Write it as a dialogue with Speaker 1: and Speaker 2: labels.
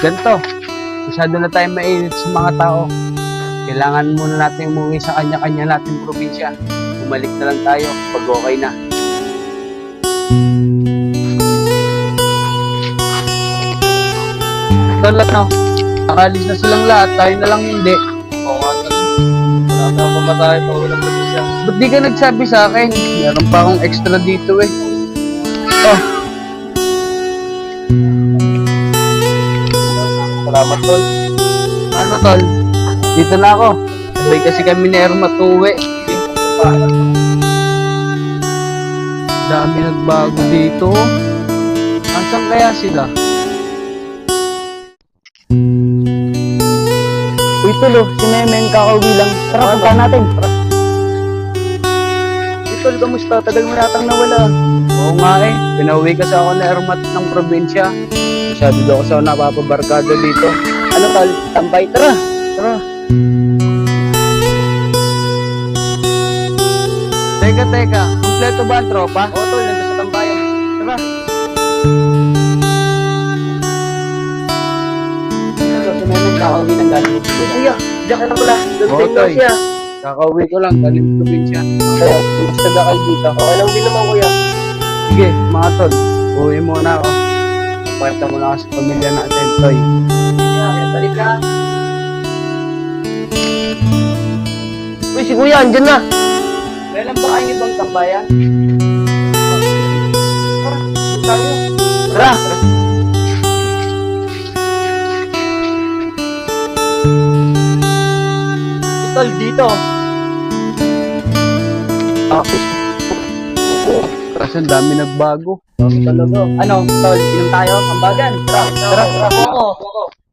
Speaker 1: Ganito, masyado na tayo mainit sa mga tao. Kailangan muna natin umuwi sa kanya-kanya nating probinsya. Bumalik na lang tayo pag okay na. Tol, no? Nakalis na silang lahat, tayo na lang hindi.
Speaker 2: Oo nga, tol. Wala na pa tayo pa ulang probinsya.
Speaker 1: Ba't di ka nagsabi sa akin? Meron pa akong extra dito eh. Oh,
Speaker 2: Salamat, tol.
Speaker 1: ano tol? Dito na ako. Sabay kasi kami ni Erma tuwi. Dami nagbago dito. Asan kaya sila?
Speaker 3: Uy, Tol, si Memeng kakauwi lang. Tara, punta natin. Uy, Tol, kamusta? Tagal mo yatang nawala.
Speaker 1: Oo nga eh. Pinauwi kasi ako na Ermat ng probinsya. Masyado daw kasi ako napapabarkada dito.
Speaker 3: Ano, Tol? Tambay, tara.
Speaker 1: Tara. Teka. Kompleto ba ang tropa?
Speaker 3: Oo, Tol, nandun sa tambayan.
Speaker 1: Tara.
Speaker 3: Tol, si Memeng kakauwi lang galing. Uy, kuya, diyan ka na pala.
Speaker 1: Oo,
Speaker 3: Gamitin
Speaker 1: Tol.
Speaker 3: mo siya.
Speaker 1: Kakauwi ko lang galing probinsya.
Speaker 3: Kaya, kumusta ka kayo dito? Okay lang din naman, kuya.
Speaker 1: Sige, mga tol. Uwi muna ako. Pakita muna ako sa pamilya natin, Toy.
Speaker 3: Kaya, balik ka. Uy, si kuya, andyan na.
Speaker 1: Kailan ba kayo ibang tambayan?
Speaker 3: Tayo. Tara. Tol, dito.
Speaker 1: Kasi ang dami nagbago.
Speaker 3: Talaga. Ano, Tol, inom tayo? Ambagan. Tara. Oo.